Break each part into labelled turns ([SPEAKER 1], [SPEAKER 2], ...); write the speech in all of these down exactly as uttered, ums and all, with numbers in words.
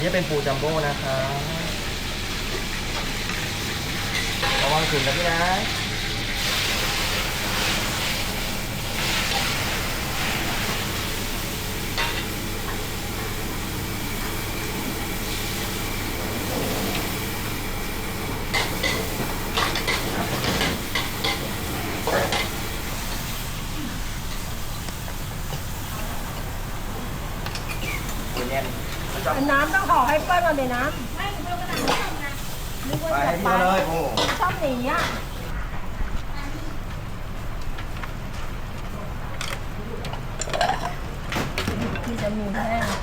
[SPEAKER 1] นี่เป็นปูจัมโบ้นะคะระวังขึ้นนะพี่นะ
[SPEAKER 2] น้ำต้องห่อให้เปิ้ลมาเลยนะไม่เปิ้ลก็ได้นึกว่าจะไปชอบหนีอ่ะที่จะมีแห้ง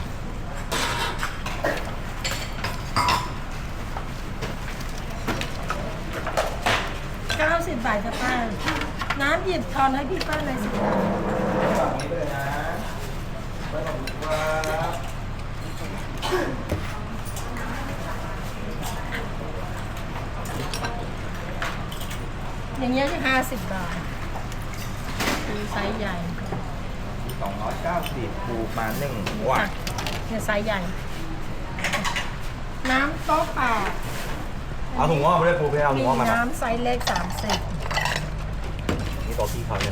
[SPEAKER 2] เก้าสิบบาทจะป้าน้ำหยิบทอนให้พี่เปิ้ลเลยสิ
[SPEAKER 1] ฝั่งนี้เลยนะเปิ้ลขอบคุณครับ
[SPEAKER 2] อย่างเงี้ยจะห้าสิบบาทคือไซส์ใหญ่
[SPEAKER 1] สองร้อยเก้าสิบปูมาหนึ่งว้า
[SPEAKER 2] เนี่ยไซส์ใหญ่น้ำโต๊ะแปด
[SPEAKER 1] เอาถุงงอกมาเลยปูเพื่อเอาถุ
[SPEAKER 2] มี
[SPEAKER 1] งงอกมา
[SPEAKER 2] น้ำไซส์เล็กสามสิบ
[SPEAKER 1] นี่ตัวพี่เขาเนี่ย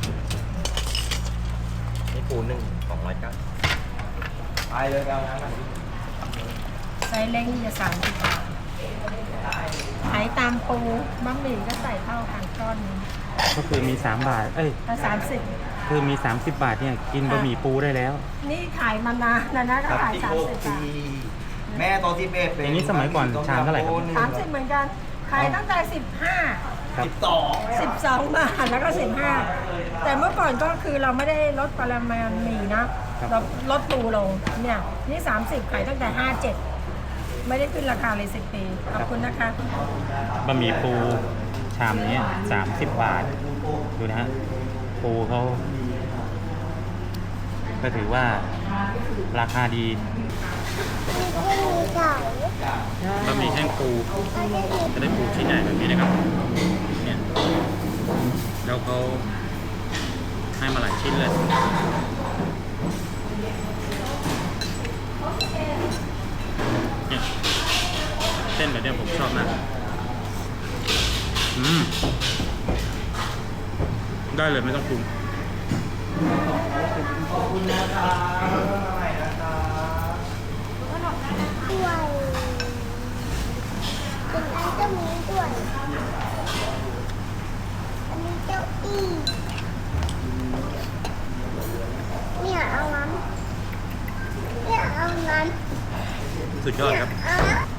[SPEAKER 1] นี่ปูหนึ่งสองร้อยเก้าไปเลยเอาน้ำมา
[SPEAKER 2] ไซส์เล็กนี่จะสามสิบบาทขายตามปูบะหมี่ก็ใส่เท่ากันก้อนนึง
[SPEAKER 3] ก็คือมีสามบาทเอ้ย
[SPEAKER 2] สามสิบ
[SPEAKER 3] คือมีสามสิบบาทเนี่ยกินบะหมี่ปูได้แล้ว
[SPEAKER 2] นี่ขายมานานนะนะก็ขายสามสิบบาท
[SPEAKER 1] แม่ตอนที่เบส
[SPEAKER 3] อย่างนี้สมัยก่อนชามเท่าไหร่ครับ
[SPEAKER 2] สามสิบเหมือนกันขายตั้งแต่สิบห้า
[SPEAKER 1] สิบสอง
[SPEAKER 2] สิบสองบาทแล้วก็สิบห้าแต่เมื่อก่อนก็คือเราไม่ได้ลดปริมาณหมี่นะเราลดปูลงเนี่ยนี่สามสิบขายตั้งแต่ห้าเจ็ดไม่ได้ขึ้นราคาเลยสิบปีขอบคุณนะคะ
[SPEAKER 3] บะหมี่ปูชามนี้สามสิบบาทดูนะฮะปูเขาก็ถือว่าราคาดีบะหมี่แห้งปูจะได้ปูชิ้นใหญ่แบบนี้นะครับเนี่ยแล้วเขาให้มาหลายชิ้นเลยเนี่ยเส้นแบบนี้ผมชอบมากอืมได้เลยไม่ต้องปรุง
[SPEAKER 1] ขอบคุณนะครับ
[SPEAKER 4] ด้วยเป็นอันเจ้ามีด้วยอันนี้เจ้าอี้เนี่ยเอาน้ำเนี่ยเอาน้ำ
[SPEAKER 3] สุดยอดครับ